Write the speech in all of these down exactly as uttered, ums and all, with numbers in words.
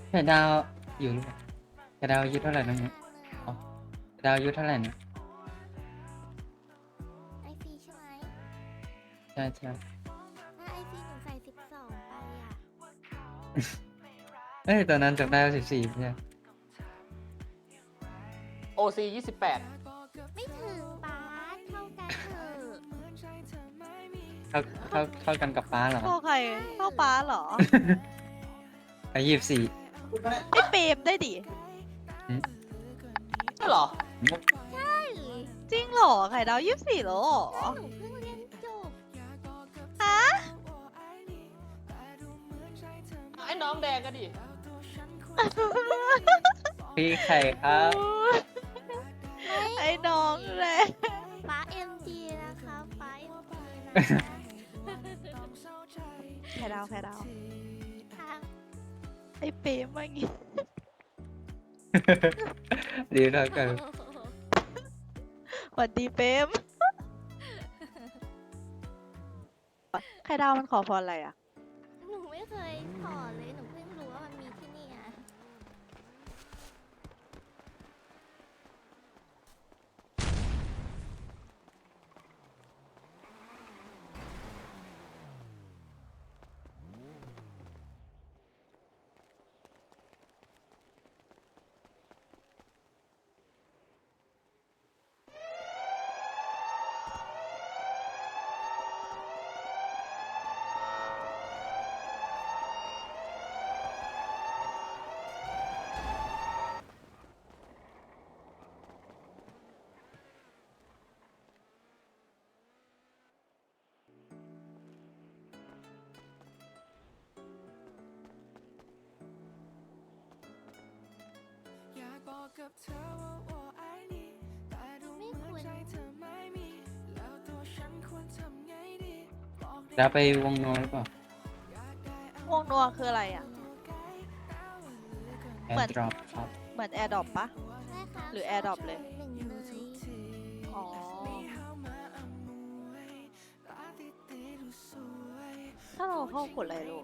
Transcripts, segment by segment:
ไข่ดาวอยู่หรือเปล่าไข่ดาวอายุเท่าไหร่น้องเนี่ยอ๋อไข่ดาวอายุเท่าไหร่เนี่ยไอซีใช่ไหมใช่ใช่ถ้าไอซีหนูใส่สิบสองไปอ่ะเอ้ยตอนนั้นจำได้ว่าสิบสี่ใช่โอซียี่สิบแปดไม่ถึงป้าเท่ากันเถอะเท่าเท่าเท่ากันกับป้าเหรอเข้าใครเข้าป้าเหรออายุยี่สิบสี่ไอ้เปรมได้ดิใช่เหรอใช่จริงเหรอไข่ดาวยี่สิบสี่เหรอหนูเพิ่งเรียนจบฮะไอ้น้องแดงก็ดิพี่ไข่ครับไอ้น้องเลยป้าเอ็มจีนะคะป้าเอ็มจีนะคะไข่ดาวไข่ดาวค่ะไอ้เปรมเมื่อกี้ดีเท่ากันสวัสดีเปรมไข่ดาวมันขอพรอะไรอ่ะหนูไม่เคยถอดเลยหนูเพิ่งรู้ว่ามันมีที่นี่อ่ะกับเธอว่าว่าไอ้นี่แต่ดูเหมือนใจเธอไม่มีแล้วตัวฉันควรทำไงดีบอกได้แล้วไปวงโนหรือเปล่าวงนัวคืออะไรอ่ะแอเหมือนร์ดรอปครับเหมือนแอร์ดรอปปะใช่ค่ะหรือ AirDrop เลยหนึ่งเลยอ๋อ ถ้าเราเข้ากดอะไรลูก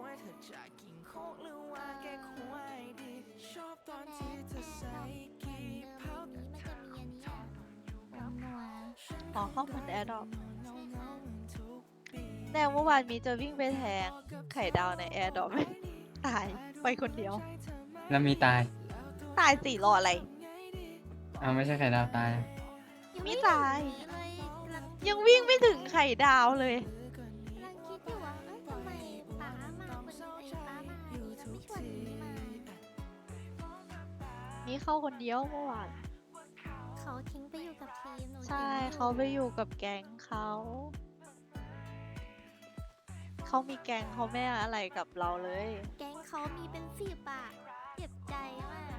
ชอบตอนที่เธอใส่เดิมนี้มันจะมีอันนี้อ่ะนัวอ๋อเข้าเหมือนแอร์ดรอปแนวเมื่อวานมีจะวิ่งไปแทงไข่ดาวในแอร์ดรอป ตายไปคนเดียวแล้วมีตายตายสี่รออะไรเอาไม่ใช่ไข่ดาวตายยังไม่ไม่ตายถึงนี้เลยกำลังยังวิ่งไม่ถึงไข่ดาวเลยกำลังคิดอยู่ว่าเอ้ยทำไมป้ามาคนไอ้ป้ามาอันนี้แล้วไม่ชวนนี้มานี่เข้าคนเดียวเมื่อวานเขาทิ้งไปอยู่กับทีมหนูใช่ทิ้งเขาไปอยู่กับแก๊งเขา เขามีแก๊งเขาไม่อะไรกับเราเลยแก๊งเขามีเป็นสิบอะเจ็บใจมาก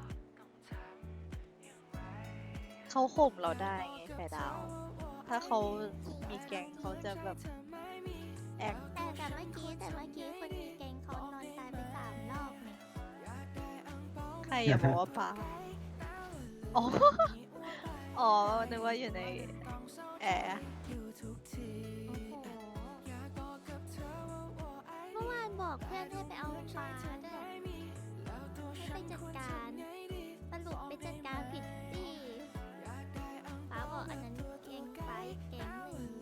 เขาข่มเราได้ไงไข่ดาว ถ้าเขามีแก๊งเขาจะแบบแอคแต่แต่เมื่อกี้แต่เมื่อกี้คนมีแก๊งเขานอนตายไปสามรอบเนี่ยใครอย่าบอกว่าปลาอ๋อ อ๋อ นึกว่าอยู่ในแอร์โอ้โหเมื่อวานบอกเพื่อนให้ไปเอาปลาด้วยให้ไปจัดการสรุปไปจัดการผิดที่ป้าบอกอันนั้นแก๊งไปแก๊งหนึ่ง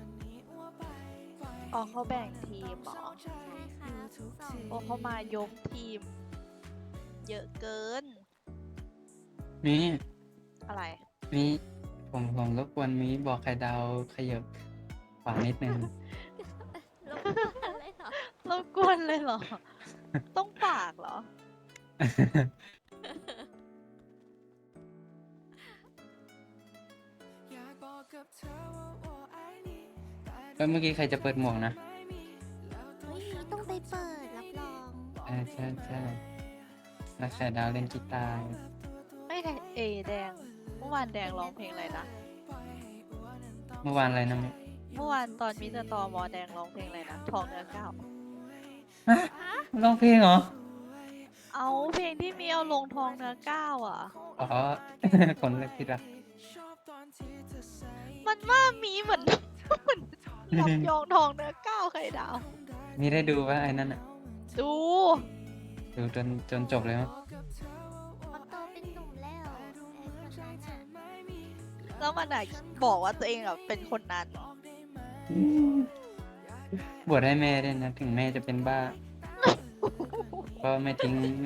อ๋อเขาแบ่งทีมเหรอใช่ค่ะสองโอ้เขามายกทีม เยอะเกินมีอะไรมีผมผมรบกวนมีบอกไข่ดาวขยับขวานิดนึงแล้วอะไรเหรอรบกวนเลยเหรอ ต้องฝากเหรอแล้วเมื่อกี้ใครจะเปิดหมวกนะไม่มีต้องไปเปิดรับรองใช่ใช่ใช่แล้วไข่ดาวเล่นกีตาร์ไม่ใช่เอแดง เมื่อวานแดงร้องเพลงอะไรนะเมื่อวานอะไรนะมิเมื่อวานตอนมิสเตอร์ตอมอแดงร้องเพลงอะไรนะ ทองเนื้อก้าวร้องเพลงเหรอเอาเพลงที่มีเอาลงทองเนื้อก้าวอ่ะอ๋อ คนเล็กที่รักมันว่ามีเหมือน เหมือนยับยองทองเนื้อก้าวไข่ดาวมีได้ดูว่าไอ้นั่นอ่ะดูดูจนจนจบเลยมั้งมันโตเป็นหนุ่มแล้วไอ้คนนั้นน่ะแล้วมันอะบอกว่าตัวเองอะเป็นคนนั้นบวชให้แม่ด้วยนะ ถึงแม่จะเป็นบ้า ก็ไม่ทิ้งแม่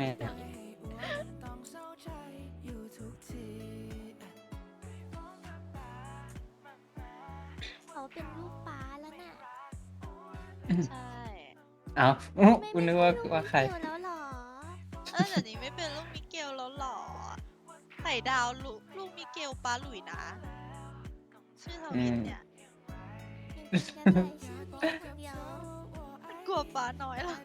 เขาเป็นลูกป้าแล้วน่ะใช่เอาอู้ไม่คุณนึกไม่ว่าใช่ลูกว่าใครมิเกลแล้วเหรอเออเดี๋ยวนี้ไม่เป็นลูกมิเกลแล้วหรอไข่ดาวลูกลูกมิเกลป้าหลุยนะ ชื่อทวินเนี่ยเป็นกันได้ชื่อนี้คนเดียวมันกลัวป้าน้อยแล้ว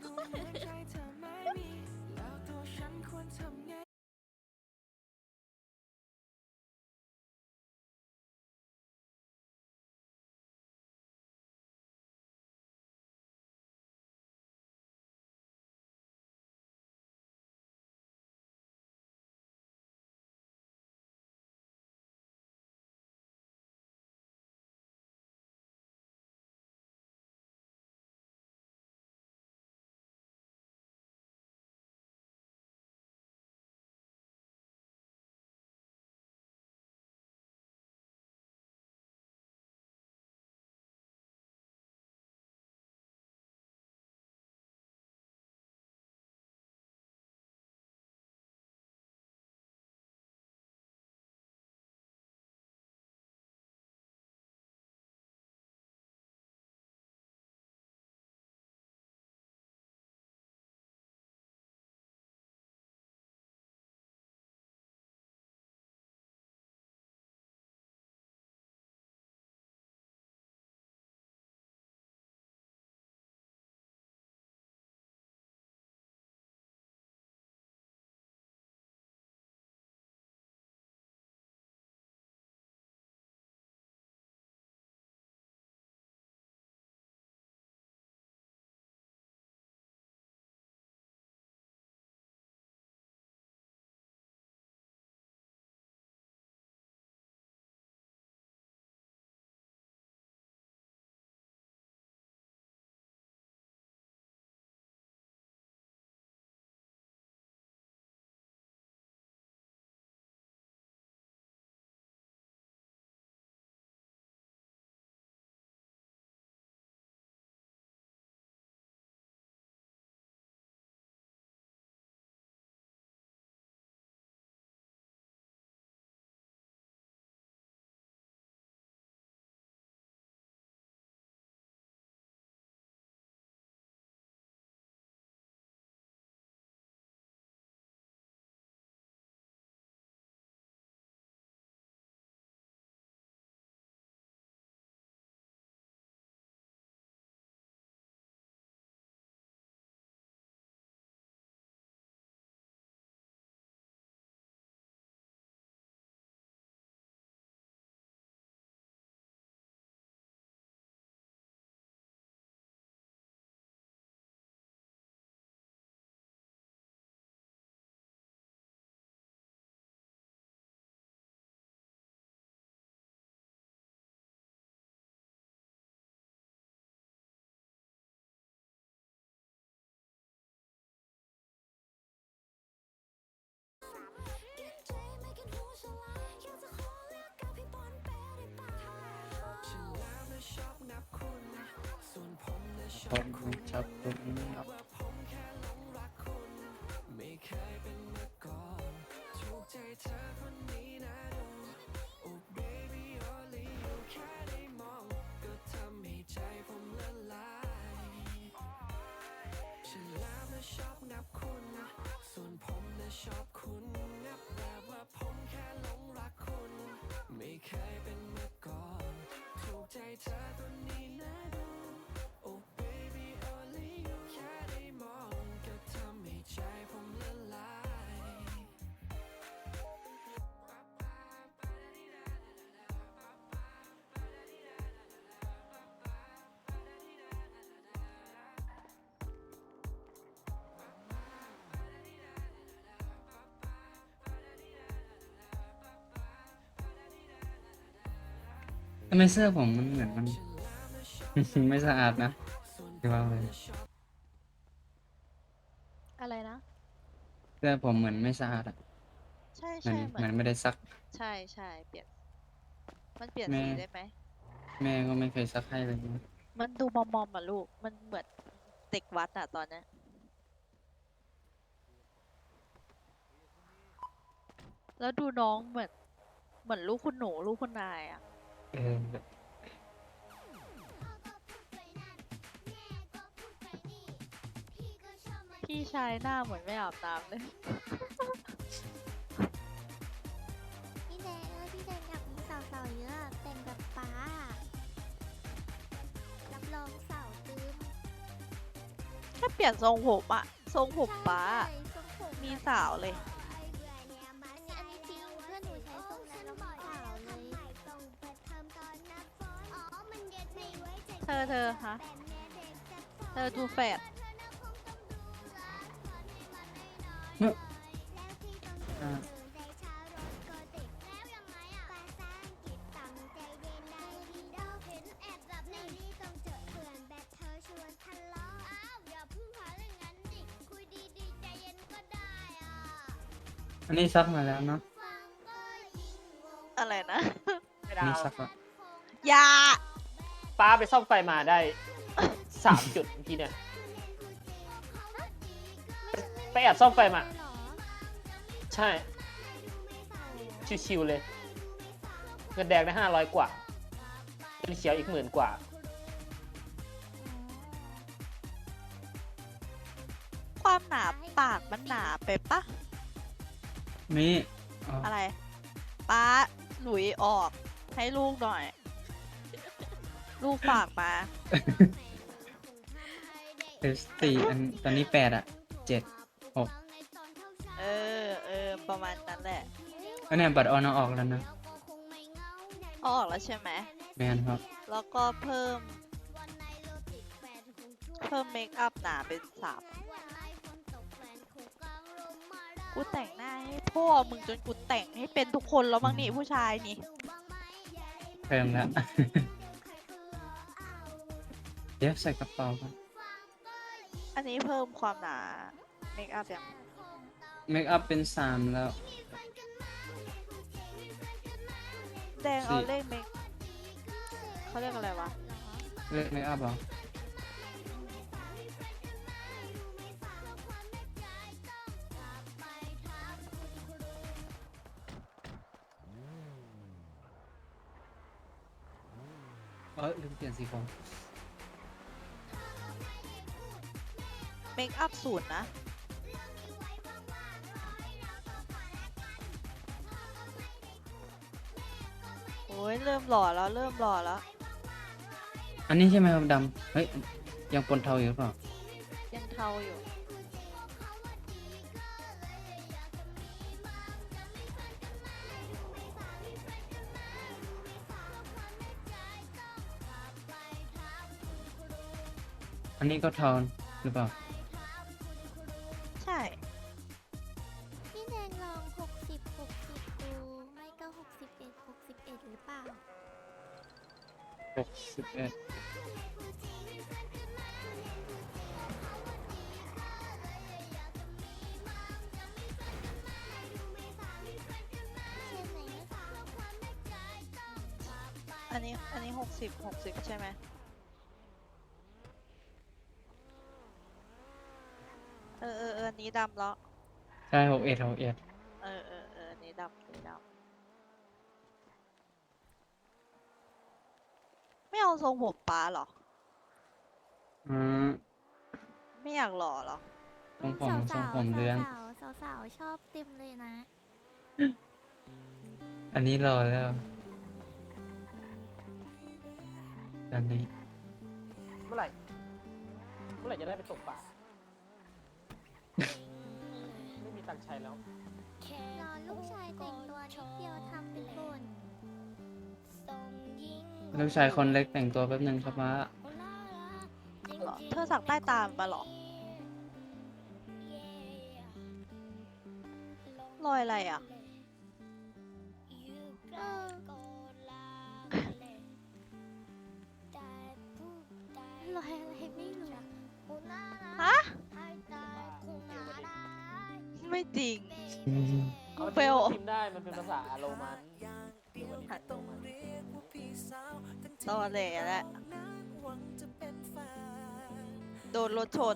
ผมชอบคุณครับ ทำไมเสื้อผมมันเหมือนมัน ไม่สะอาดนะที่ว่าเลยอะไรนะเสื้อผมเหมือนไม่สะอาดอะใช่เหมือนใช่เหเหมืมืออน นไม่ได้ซักใช่ใช่เปลี่ยน มันเปลี่ยนแม่สีได้ไหมแม่ก็ไม่เคยซักให้เลยนะมันดูมอมๆอ่ะลูก มันเหมือนเด็กวัดอะตอนเนี้ย แล้วดูน้องเหมือน เหมือนลูกคุณหนู ลูกคุณนายอะเออพี่ชายหน้าเหมือนไม่อาบน้ำเลยพี่แดงเออพี่แดงอยากมีสาวๆเยอะอะแต่งแบบป้าอะรับรองสาวตื้มแค่เปลี่ยนทรงผมอะทรงผมป้าใช่ทรงผมมีแบบสาวเลยอันนี้อันนี้จริงเพื่อนหนูใช้ทรงนั้นแล้วมีสาวเลยเธอเธอฮะ เธอดูแฝดเนอะอ่า อันนี้ซักมาแล้วเนาะอะไรนะไม่อันดานี้วซักแล้วอย่าป้าไปซ่อมไฟมาได้ สามจุดเมื่อกี้เนี่ย ไปแอบซ่อมไฟมา ใช่ ชิวๆเลย เงินแดงได้ห้าร้อยกว่า เงินเขียวอีกหมื่นกว่าความหนาปากมันหนาไปปะนี่อ๋ออะไร ป้าหลุยออก ให้ลูกหน่อย ลูกฝากมาเอสสี่อันตอนนี้แปดอะเจ็ดหกเออเออประมาณนั้นแหละอันเนี้ยบัตรออนเอาออกแล้วนะเอาออกแล้วใช่ไหมแมนครับแล้วก็เพิ่ม เพิ่มเมคอัพหนาเป็นสามกูแต่งหน้าให้พ่อมึงจนกูแต่งให้เป็นทุกคนแล้วบ้างนี่ผู้ชายนี่เพิ่มแล้ว เดี๋ยวใส่กระเป๋าครับอันนี้เพิ่มความหนาเมคอัพยังเมคอัพเป็นสามแล้วแดงเอาเลขเมคเขาเรียกอะไรวะเลือกเมคอัพเหรอ เออลืมเปลี่ยนสีผมเมคอัพศูนย์นะ โอ้ยเริ่มหล่อแล้วเริ่มหล่อแล้วอันนี้ใช่ไหมครับดำ เฮ้ย ยังปนเทาอยู่หรือเปล่ายังเทาอยู่อันนี้ก็เทาหรือเปล่าใช่พี่แดงลองหกสิบหกสิบดูไม่ก็หกสิบเอ็ดหกสิบเอ็ดหรือเปล่าหกสิบเอ็ดอันนี้อันนี้หกสิบหกสิบใช่ไหมเออเออเอออันนี้ดำแล้วใช่หกเอ็ดหกเอ็ดเออเออเอออันนี้ดำอันนี้ดำไม่เอาทรงผมป้าเหรออืมไม่อยากหล่อเหรอทรงผมสาวๆทรงผมเลื้อนสาวๆสาวๆชอบเต็มเลยนะอันนี้รอแล้ว อันนี้เมื่อไหร่ เมื่อไหร่จะได้ไปตกปลา ไม่มีตังค์ใช้แล้วรอลูกชายแต่งตัวนิดเดียวทำเป็นบ่นลูกชายคนเล็กแต่งตัวแป๊บนึงครับว่าเหรอ เธอสักใต้ตามมาเหรอ รอยอะไรอ่ะเออรอยอะไรไม่รู้ฮะหืไม่จริงอืมเอาเฟจริงลมันพิมพ์ได้มันเป็นภาษาโรมันหรือมันเป็นโรมันตอแหลแหละโดนรถชน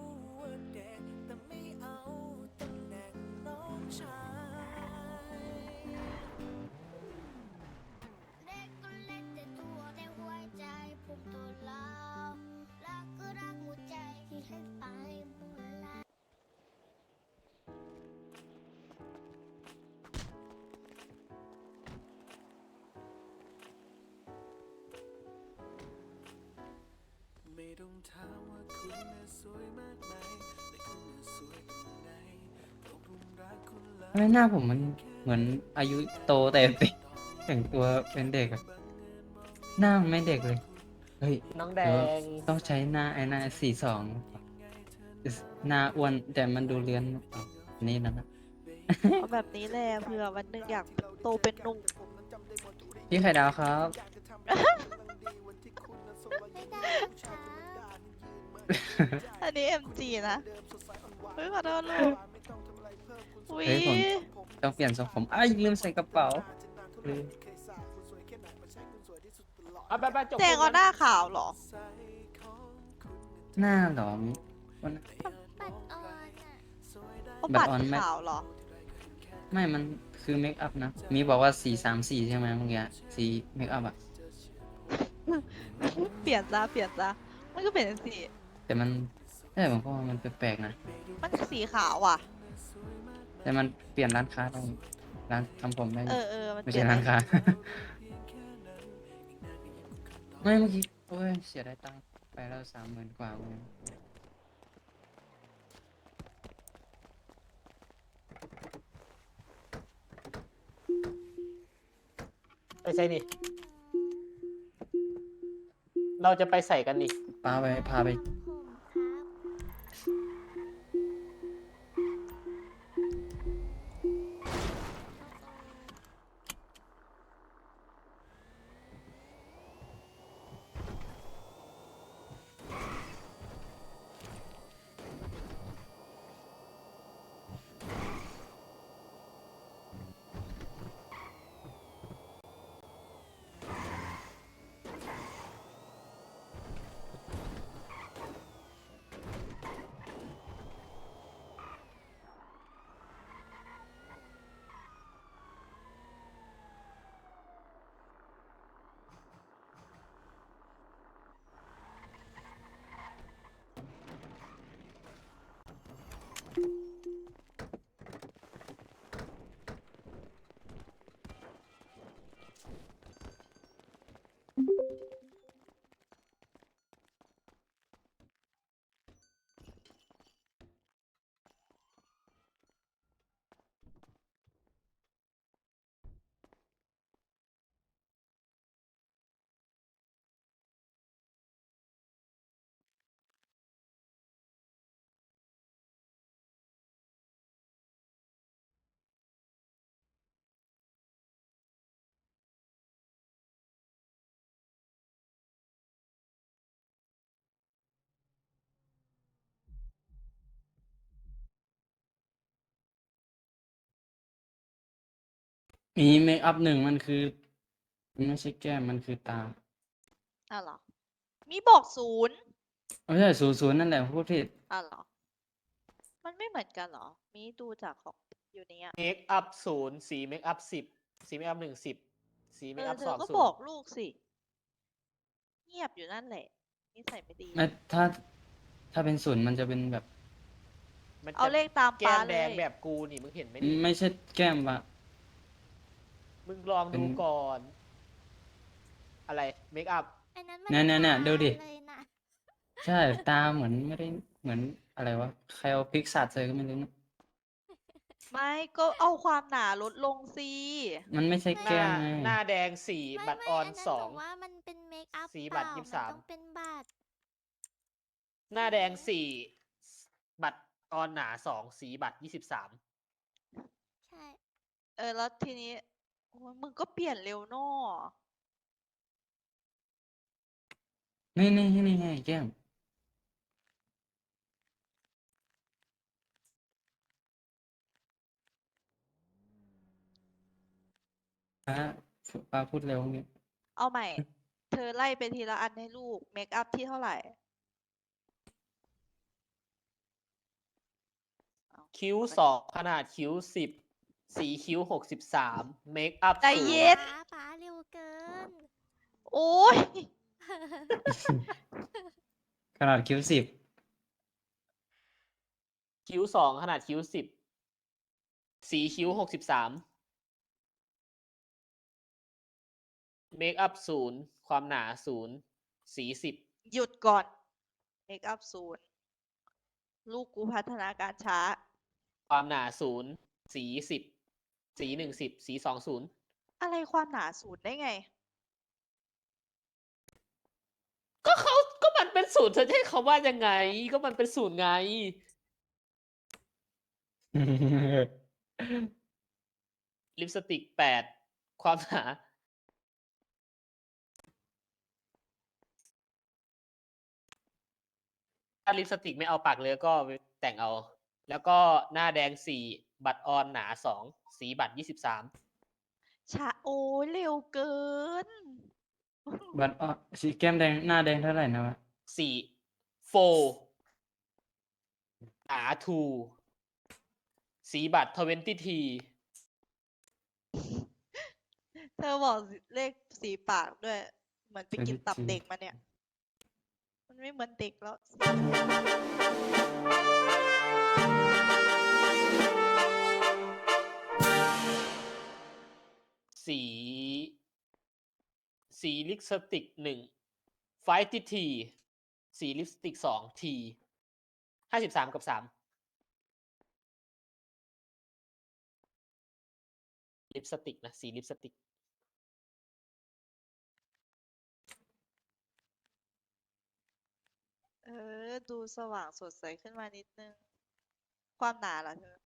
เด็กก็เล็กแต่ตัวในหัวใจผมตัวเรารักก็รักหัวใจที่ให้ไปหมดแล้วไม่ต้องถามว่าคุณน่ะสวยมากไหมแต่คุณน่ะสวยตรงไหนเพราะผมรักคุณแล้วทำไมหน้าผมมันเหมือนอายุโตแต่เป็นแต่งตัวเป็นเด็กอะหน้ามันไม่เด็กเลย เฮ้ยน้องแดหรือว่าง ต้องใช้หน้าไอ้หน้าสี่สองหน้าอ้วนแต่มันดูเลื้อนอ๋ออันนี่นะนะเอาแบบนี้แหละเผื่อวันหนึ่งอยากโตเป็นหนุ่มพี่ไข่ดาวครับไม่ได้ค่ะอันนี้ เอ็ม จี นะเฮ้ยขอโทษลูกอุ้ยเฮ้ยผม ต้องเปลี่ยนทรงผมอ้ายลืมใส่กระเป๋าลืมเอาไปไปจบแจงเอาหน้าขาวเหรอหน้าเหรอวันปัดออนอ่ะเขาบัปัตดรออนไหมขาวเหรอไม่มันคือเมคอัพนะ มีบอกว่าสี่สามสี่ใช่ไหมเมื่อกี้สีเมคอัพอะเปลี่ยนซะเปลี่ยนซะมันก็เปลี่ยนเป็นสีแต่มันแต่ผมก็ว่ามันแปลกๆนะมันสีขาวอ่ะแต่มันเปลี่ยนร้านค้าได้ร้านทำผมได้เออเออมันไม่เปลี่ใช่ยนร้านได้ค้า ไม่เมื่อกี้โอ้ยเสียดายตังค์ไปแล้วสามหมื่นกว่าเลยไปใส่นี่ เราจะไปใส่กันนี่พาไปพาไปผมครับมีเมคอัพหนึ่งมันคือมันไม่ใช่แก้มมันคือตาอ้าวเหรอ มีบอกศูนย์ไม่ใช่ศูนย์ศูนย์นั่นแหละพูดผิดอ้าวเหรอ มันไม่เหมือนกันเหรอ มีดูจากของอยู่เนี้ยเมคอัพศูนย์สีเมคอัพสิบสีเมคอัพหนึ่งสิบสีเมเอคออัพเธสอองก็ศูบอน กย์ลูกสิ เงียบอยู่นั่นแหละนิสัยไม่ดีไม่ถ้าถ้าเป็นศูนย์มันจะเป็นแบบมันเอาจะเลขตามแก้ป้าม เลแดงยแบบกูนี่มึงเห็นไหมนี่ไม่ใช่แก้มวะมึงลองเป็ดูนก่อน อะไรเมคอัพอันนั้นมัเนี่ยเนี่ยเนี่ยดูดิตาเลยนะใช่ตาเหมือนไม่ได้เหมือนอะไรวะใครเอาพริกสาดใส่ก็ไม่รู้นะไม่ก็เอาความหนาลดลงสิมันไม่ใช่หแก้น้ามไงหน้าแดงสี่ไม่บัตรไม่ออนอันนั้นสบออง กว่ามันเป็นเมคอัพสีเปบัตรล่ายี่สิบมันสามต้องเป็นบัตรหน้าแดงสี่บัตรออนหนาสองสีบัตรยี่สิบสามใช่เออแล้วทีนี้โอ้ยมึงก็เปลี่ยนเร็วเนอะนี่นี่นี่ไงแก้มป้าป้าพูดเร็วงี้เอาใหม่ เธอไล่ไปทีละอันให้ลูก เมคอัพที่เท่าไหร่คิ้วสองขนาดคิ้วสิบสีคิ้วหกสิบสามเมคอัพใจศูเย็นย์นป๋าป๋าเร็วเกินโอ้ยขนาดคิ้วสิบคิ้วสองขนาดคิ้วสิบสีคิ้วหกสิบสามเมคอัพศูนย์ความหนาศูนย์สีสิบหยุดก่อน เมคอัพศูนย์ ลูกกูพัฒนาการช้าความหนาศูนย์สีสิบสีหนึ่งสิบสีสองศูนย์อะไรความหนาศูนย์ได้ไงก็เขาก็มันเป็นศูนย์เธอจะให้เขาว่ายังไง ก็มันเป็นศูนย์ไง ลิปสติกแปดความหนา ถ้าลิปสติกไม่เอาปากเลยก็ไปแต่งเอา แล้วก็หน้าแดงสี่บัตรออนหนาสองสีบัตรยี่สิบสามช้า โอ้ยเร็วเกินบัตรออสีแก้มแดงหน้าแดงเท่าไหร่นะวะสี่โฟหนาทูสีบัตรทเวนตี้ทีเธอบอกเลขสีปากด้วย เหมือนไปกินตับเด็กมาเนี่ย มันไม่เหมือนเด็กแล้วสี สีลิปสติกหนึ่งไฟติทีสีลิปสติกสองทีห้าสิบสามกับสามลิปสติกนะ สีลิปสติกเออ ดูสว่างสดใสขึ้นมานิดนึง ความหนาล่ะเธอ